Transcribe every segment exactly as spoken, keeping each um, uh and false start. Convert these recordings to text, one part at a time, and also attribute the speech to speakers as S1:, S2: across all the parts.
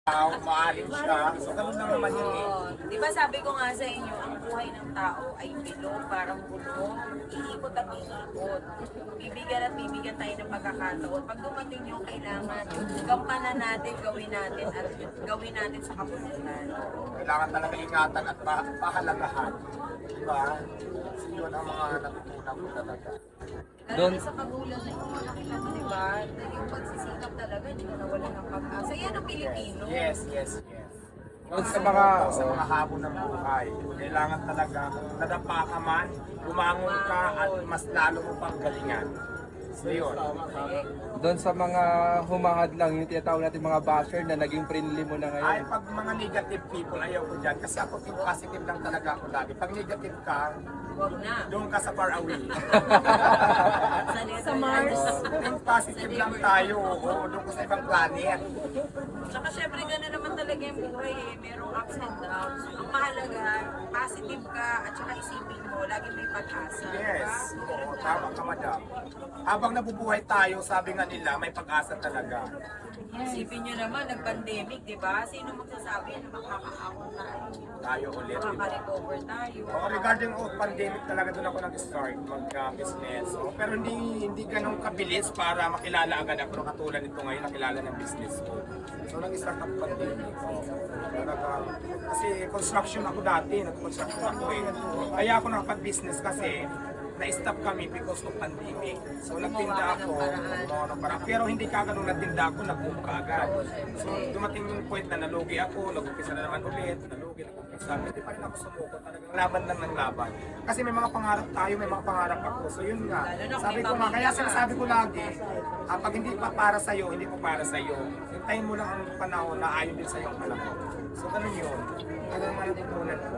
S1: tao, maaring siya. So, ganun lang naman yun eh.
S2: Oo. Di ba sabi ko nga sa inyo, ang buhay ng tao ay bilog, parang gulong, iikot at iikot. Bibigyan at bibigyan tayo ng pagkakataon. Pag dumating yung kailangan, gampanan natin, gawin natin, at gawin natin sa kapulitan.
S1: Kailangan talaga ingatan at pa pahalagahan. Diba? So, yun ang mga natutunan ko talaga.
S2: Lalo na sa pagulan na yung mga nakita mo, di ba? Yung pagsisikap talaga, hindi ka nawala ng pag-asa. Yan ang Pilipino.
S1: Yes, yes, yes.
S3: Doon
S1: Sa
S3: sa
S1: mga,
S3: mga-
S1: sa mga habon ng buhay, kailangan talaga nadapa ka man, bumangon ka at mas lalo mo pang galingan. So yun.
S3: Doon sa mga humahad lang, yung tinatawag natin mga basher na naging friendly mo na
S1: Ay,
S3: ngayon.
S1: pag mga negative people, ayaw ko dyan. Kasi ako, think positive lang talaga ako lagi. Pag negative ka,
S2: Huwag na.
S1: doon ka sa far away.
S2: Sa Mars.
S1: Think positive lang tayo. Oo, doon ka sa ibang planet.
S2: Tsaka syempre gano'n naman talaga yung buhay eh. Merong ups and downs. Ang mahalaga, positive ka at saka isipin mo, lagi may pag-asa.
S1: Yes. Oo, tama ka, madam. Habang nabubuhay tayo, sabi nga nila, may pag-asa talaga.
S2: Isipin nyo naman, nag-pandemic, di ba? Sino magsasabi na makakaahon tayo?
S1: Tayo ulit. diba?
S2: Makaka-recover tayo.
S1: Oo, regarding of pandemic talaga doon ako nag-start mag-business. Oo, pero hindi hindi ganun kabilis para makilala agad ako na katulad nito ngayon nakilala ng business ko. So nag-start ako pandemic. Talaga, kasi construction ako dati, nag-construction ako eh. Kaya ako nakapag-business kasi na-stop kami because of pandemic. So nagtinda ako, gumawa ng paraan. Pero hindi ka ganun nagtinda ako, nag-boom ka agad. So dumating yung point na nalugi ako, nag-umpisa na naman ulit, nalugi, nag-umpisa. Hindi pa rin ako sumuko, talagang laban lang ng laban. Kasi may mga pangarap tayo, may mga pangarap ako. So yun nga, sabi ko nga, kaya sinasabi ko lagi, ah, pag hindi pa para sa'yo, hindi pa para sa'yo. Hintayin mo lang ang panahon na ayon din sa'yo ang panahon. So ganun yun. Ano naman ang tutunan ko?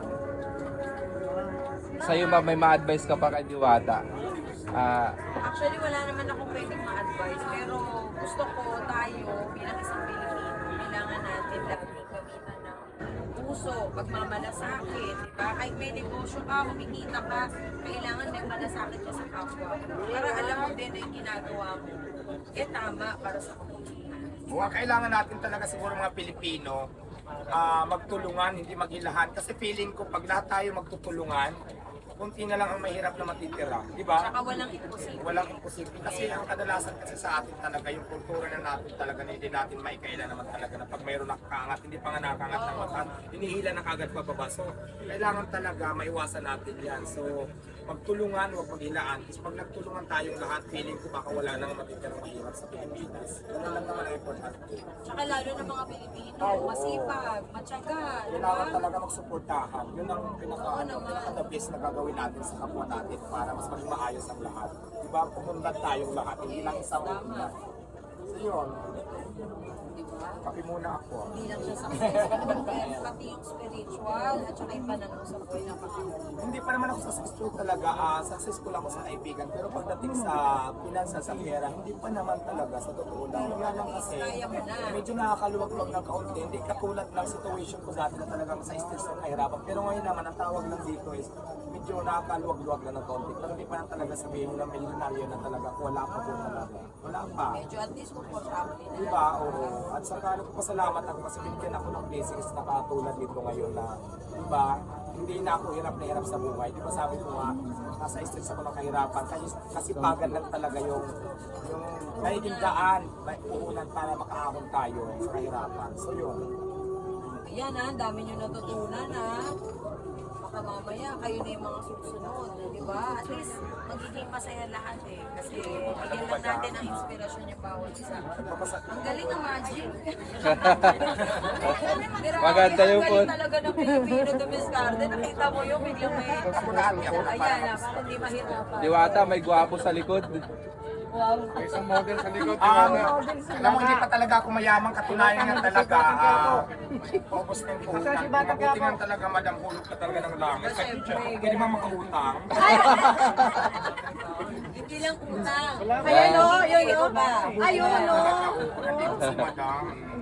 S3: Sa'yo ba may ma-advise ka pa kay Diwata? Ah,
S2: Actually, wala naman akong pwedeng ma-advise. Pero gusto ko tayo, bilang isang Pilipino, kailangan natin laging gamitan ng puso, pagmamalasakit, diba? Kahit may negosyo ka, kumikita ka, kailangan may malasakit ka sa kapwa. Para alam mo din na yung ginagawa mo, eh tama para sa kapulitan.
S1: O, ang kailangan natin talaga siguro mga Pilipino, ah, magtulungan, hindi maghilahan. Kasi feeling ko, pag lahat tayo magtutulungan, kunti na lang ang mahirap na matitira. Di ba?
S2: Tsaka walang imposible.
S1: Walang imposible. Kasi ang kadalasan kasi sa atin talaga, yung kultura na natin talaga na hindi natin maikaila naman talaga na pag mayroon nakakangat, hindi pa nga nakakangat ng mataas, hinihila na kagad pababa. So, kailangan talaga maiwasan natin yan. So, magtulungan, huwag maghilaan. Kasi pag nagtulungan tayong lahat, feeling ko baka wala nang matitirang mahirap sa Pilipinas. Ganun lang naman ang importante.
S2: Tsaka lalo ng mga Pilipino, masipag, matyaga, di ba?
S1: Kailangan talaga magsuportahan. Yun ang pinaka,
S2: Oo naman.
S1: pinaka-the best na gagawin natin sa kapwa natin para mas maging maayos ang lahat. Diba? Pumundan tayong lahat, hindi lang isang pumundan. So yun,
S2: Diba?
S1: kapi muna ako.
S2: Hindi lang siya successful, pero pati yung spiritual at saka yung pananaw sa buhay ng Panginoon.
S1: Hindi pa naman ako successful talaga. ah successful ako sa kaibigan. Pero pagdating sa pinansa sa pera, hindi pa naman talaga sa totoo lang. Kaya lang kasi,
S2: Kaya mo na.
S1: medyo nakakaluwag-luwag ng kaunti. Hindi katulad ng situation ko dati na talagang sa stress ng kahirapan. Pero ngayon naman, ang tawag lang dito is medyo nakakaluwag-luwag lang ng kaunti. Pero hindi pa na talaga sabihin mo na milyonaryo na talaga. Wala pa po talaga. Wala pa.
S2: Medyo at least komportable na.
S1: Diba? Oo. At saka nagpapasalamat ako kasi binigyan ako ng blessings na katulad nito ngayon na, diba, hindi na ako hirap na hirap sa buhay. Diba sabi ko nga, nasa stress ako ng kahirapan. Kasi, kasi pagod lang talaga yung, yung nagiging daan, may puhunan para makaahon tayo sa kahirapan. So yun.
S2: Ayan ha, ang dami nyo natutunan ha. Baka mamaya kayo na yung mga susunod, di ba? At least magiging masaya lahat eh. Kasi bigyan lang natin ang inspirasyon niya bawat isa. Ang galing ng magic. Pero
S3: Maganda
S2: ang
S3: yung
S2: galing
S3: pod.
S2: talaga ng Pilipino to Miss Garden. Nakita mo yung biglang may...
S1: Ako ako.
S2: Ayan na, para hindi mahirapan.
S3: Diwata, may gwapo sa likod.
S2: Wow.
S3: May isang model sa likod,
S1: Um, alam mo, hindi pa talaga ako mayaman. Katunayan nga talaga, ah, paubos na yung puhunan. Mabuti nga talaga, madam, hulog ka talaga ng langit.
S2: Siyempre.
S1: Pwede ba makautang?
S2: Hindi lang utang.
S4: Ayun o, yun
S2: Ito
S4: o.
S2: ba?
S4: Ayun o.
S1: Nandito si madam.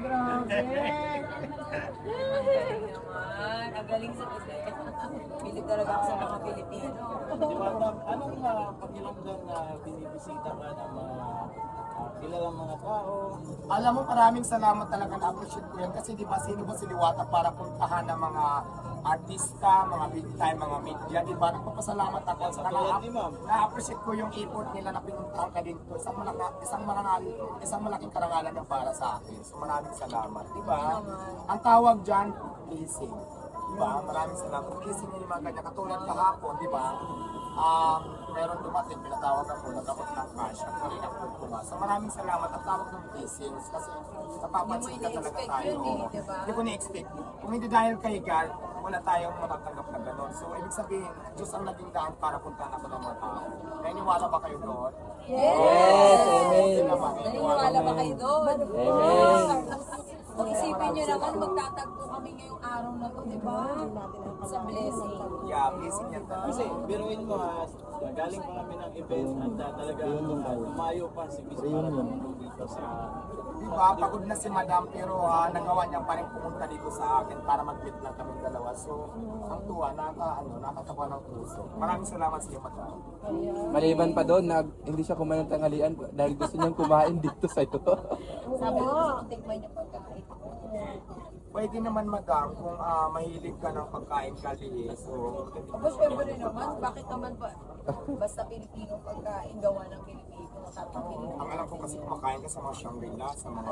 S2: Naman, ang galing sa kasi. Pilit talaga ako sa mga Pilipino.
S5: Di ba, ma'am, anong uh, pakiramdam na binibisita ka ng mga
S4: ah, kilalang mga tao.
S1: Alam mo, maraming salamat talaga, na-appreciate ko yan. Kasi di ba, sino ba si Liwata para puntahan ng mga artista, mga big time, mga media, di ba? Nagpapasalamat ako sa
S4: Katulad ni Ma'am.
S1: na-appreciate ko yung effort nila na pinuntahan ka dito. Isang, malaka, isang, marangal, isang malaking karangalan na para sa akin. So maraming salamat, di ba? Ang tawag dyan, blessing. Di ba? Maraming salamat. Blessing yung mga ganyan. Katulad kahapon, di ba? Um, meron dumating, pinatawag ako, nagkapot ng cash, at rin ako pumas. So maraming salamat. Ang tawag ng blessings kasi napapansin ka talaga
S2: Hindi mo
S1: tayo.
S2: ina-expect yun eh, di ba?
S1: Hindi ko na-expect. Kung hindi dahil kay God, wala tayong matatanggap na gano'n. So, ibig sabihin, Diyos ang naging daan para puntahan ako ng mga tao. Naniniwala ba kayo doon?
S2: Yes!
S3: Amen.
S1: Sila ba?
S2: Naniniwala ba kayo doon?
S3: Amen.
S2: Kung isipin nyo naman, magtatagpo kami ngayong araw na to, di ba? Sa blessing.
S1: Yeah, blessing yan talaga.
S4: Kasi biruin mo ha, galing pa kami ng event at uh, talaga uh, lumayo pa si Miss para tumulong dito sa
S1: Diba, pagod na si Madam pero ah, nagawa niya pa rin pumunta dito sa akin para mag-meet lang kami dalawa. So, ang tuwa, naka, ano, nakatawa ng puso. Maraming salamat sa iyo, Madam.
S3: Maliban pa doon, nag, hindi siya kumain ng tanghalian dahil gusto niyang kumain dito sa ito.
S2: Sabi ko, gusto kong tikman yung pagkain.
S1: Pwede naman, Madam, kung ah, mahilig ka ng pagkain kali, so...
S2: Aba, syempre naman, bakit naman ba? Basta Pilipino pagkain, gawa ng Pilipino, tatapin.
S1: Ang alam ko kasi kumakain ka sa mga Shangri-La, sa mga...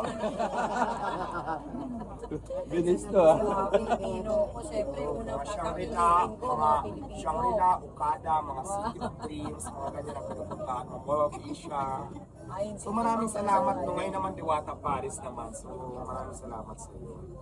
S3: Binis to ah.
S2: Mga Pilipino ko, syempre, unang
S1: mga Shangri-La,
S2: tatapin ko,
S1: mga
S2: mga Pilipino.
S1: Shangri-La, Okada, mga City of Dreams, mga ganyan ang pinupuntahan, mga Mall of Asia.
S2: Ayun,
S1: So maraming salamat. No, ngayon naman Diwata Paris naman. So maraming salamat sa iyo.